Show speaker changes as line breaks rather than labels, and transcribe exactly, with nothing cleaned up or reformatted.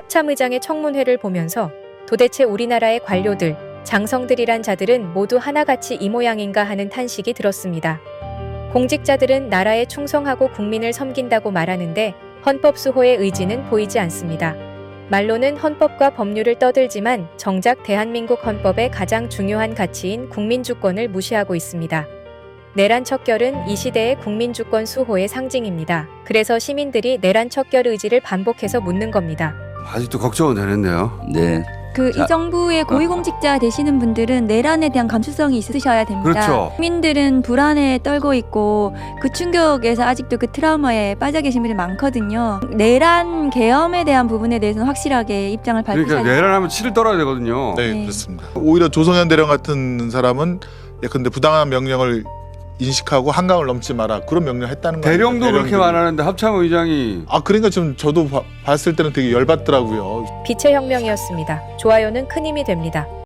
합참의장의 청문회를 보면서 도대체 우리나라의 관료들, 장성들이란 자들은 모두 하나같이 이 모양인가 하는 탄식이 들었습니다. 공직자들은 나라에 충성하고 국민을 섬긴다고 말하는데 헌법 수호의 의지는 보이지 않습니다. 말로는 헌법과 법률을 떠들지만 정작 대한민국 헌법의 가장 중요한 가치인 국민주권을 무시하고 있습니다. 내란 척결은 이 시대의 국민주권 수호의 상징입니다. 그래서 시민들이 내란 척결 의지를 반복해서 묻는 겁니다.
아직도 걱정은 되는데요.
네.
그
자,
이 정부의 고위공직자 되시는 분들은 내란에 대한 감수성이 있으셔야 됩니다.
그렇죠.
국민들은 불안에 떨고 있고 그 충격에서 아직도 그 트라우마에 빠져 계신 분들이 많거든요. 내란 계엄에 대한 부분에 대해서는 확실하게 입장을 밝히셔야
그러니까
됩니다.
내란하면 치를 떨어야 되거든요.
네,
네.
그렇습니다. 오히려 조성현 대령 같은 사람은 예컨대 부당한 명령을 인식하고 한강을 넘지 마라 그런 명령을 했다는 거예요.
대령도 그렇게 말하는데 합참의장이
아 그러니까 좀 저도 봐, 봤을 때는 되게 열받더라고요.
빛의 혁명이었습니다. 좋아요는 큰 힘이 됩니다.